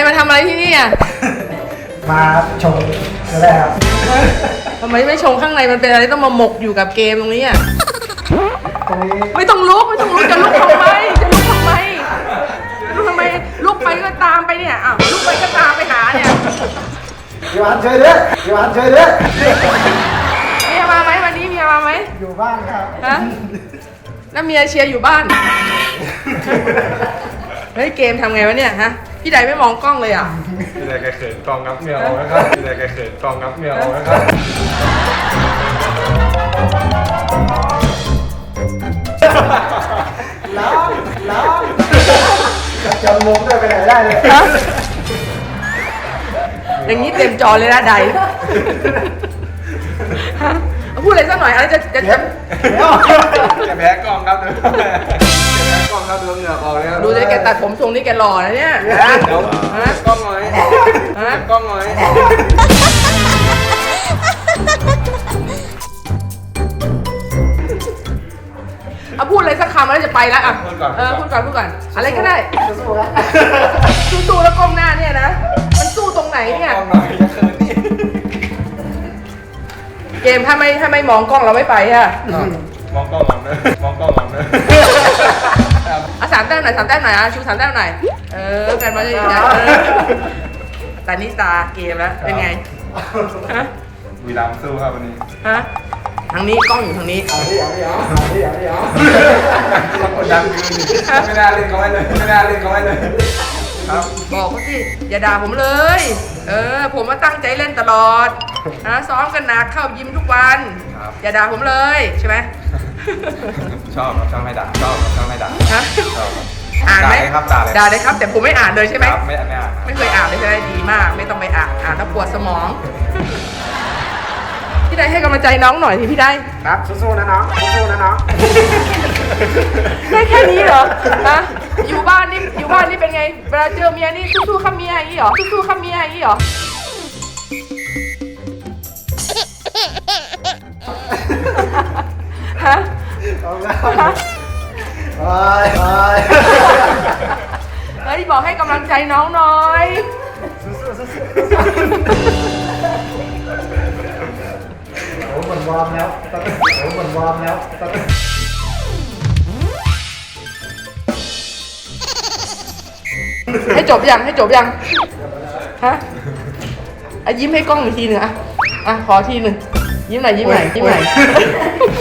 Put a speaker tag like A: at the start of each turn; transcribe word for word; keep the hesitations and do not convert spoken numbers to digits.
A: มาทำอะไรที่นี่อ่ะ
B: มาชมก็ได้ครับ
A: ทำไมไม่ชงข้างในมันเป็นอะไรต้องมาหมกอยู่กับเกมตรงนี้อ่ะ
B: ตรงนี้
A: ไม่ต้องลุกไม่ต้องลุกจะลุกทำไมจะลุกทำไมลุกทำไมลุกไปก็ตามไปเนี่ยอ้าวลุกไปก็ตามไปหาเนี่ย
B: พี่วันช่วยด้วยพี่วันช่วยด้วย
A: เมียมาไหมวันนี้เมียมาไหม
B: อยู่บ้านครับ
A: ฮะแล้วเมียเชียร์อยู่บ้านเฮ้ยเกมทำไงวะเนี่ยฮะพี่ใดไม่มองกล้องเลยอ่ะ
C: พี่ใดแกเขินกองงับเมียเอานะครับพี่ใดแกเขินกองงับเมียเอานะครับ
B: ล้างล้างจะจำมุมด้วยไปไหนได้เลย
A: อย่างนี้เต็มจอเลยนะใดฮะพูดอะไรสักหน่อยอะไรจะจะจะ
C: จะแพ้กองครับเดี๋ยวจะแพ้กองครับเดี๋ยวเหงื่อออกเลย
A: ดูเลยแกตัดผมทรงนี้แกหล่อนะเนี่ยฮะ
C: กล้องหน่อยฮะกล้องหน่อย
A: เอาพูดอะไรสักคำแล้วจะไปแล้วอ่ะเออพูดก่อนพูดก่อนอะไรก็ได้
B: สู้ๆครับ
A: สู้ๆแล้วก้มหน้าเนี่ยนะมันสู้ตรงไหนเนี่ย
C: กล้องหน่อยจะเขินนี่
A: เกมถ้าไม่ถ้าไม่มองกล้องเราไม่ไปอ่ะ
C: มองกล้องหลังเลยมองกล้องหลังเลย
A: อ่ะสามแต้มหน่อยสามแต้มหน่อยอ่ะชูสามแต้มหน่อยเออกันมาเลยนะแต่นี่ตาเกมแล้วเป็นไงฮะ
C: วีรัมสู้ครับวันนี้
A: ฮะทางนี้กล้องอยู่ทางนี้
B: เอาดิเอาดิเอาดิเอาดิเอา
C: ต้องกดดันยืนดิไม่น่าเล่นเขาไว้เลยไม่น่าเล่นเขาไว้เลยครับ
A: บอกเขาสิอย่าด่าผมเลยเออผมมาตั้งใจเล่นตลอดนะซ้อมกันหนักเข้ายิมทุกวันอย่าด่าผมเลยใช่ไหม
C: ชอบครับชอบไม่ด่าชอบครับชอบไม่ด่า
A: ฮะ
C: ชอบ
A: อ่านไหม
C: ครับด่าเลย
A: ด่าเลยครับแต่ผมไม่อ่านเลยใช่ไหม
C: ไม่ไม่อ่าน
A: ไม่เคยอ่านเลยใช่ไหมดีมากไม่ต้องไปอ่านอ่านแล้วปวดสมองพี่ได้ให้กำลังใจน้องหน่อยสิพี่ได้
B: ครับสู้ๆนะน้องสู้ๆนะน้อง
A: ได้แค่นี้เหรอฮะอยู่บ้านนี่อยู่บ้านนี่เป็นไงเวลาเจอเมียนี่สู้ๆข้าเมียอย่างนี้เหรอสู้ๆข้าเมียอย่างนี้เหรอฮะ
B: เอาแล้วไปไป
A: เฮ้ยบอกให้กำลังใจน้องหน่อย
B: โอ้เหมือนวอร์มแล้วโอ้เหมือนวอร์มแล้ว
A: ให้จบยังให้จบยังฮะอ่ะยิ้มให้กล้องอีกทีหนึ่งอ่ะอ่ะขอทีหนึ่งยิ้มหน่อยยิ้มหน่อยยิ้มหน่อย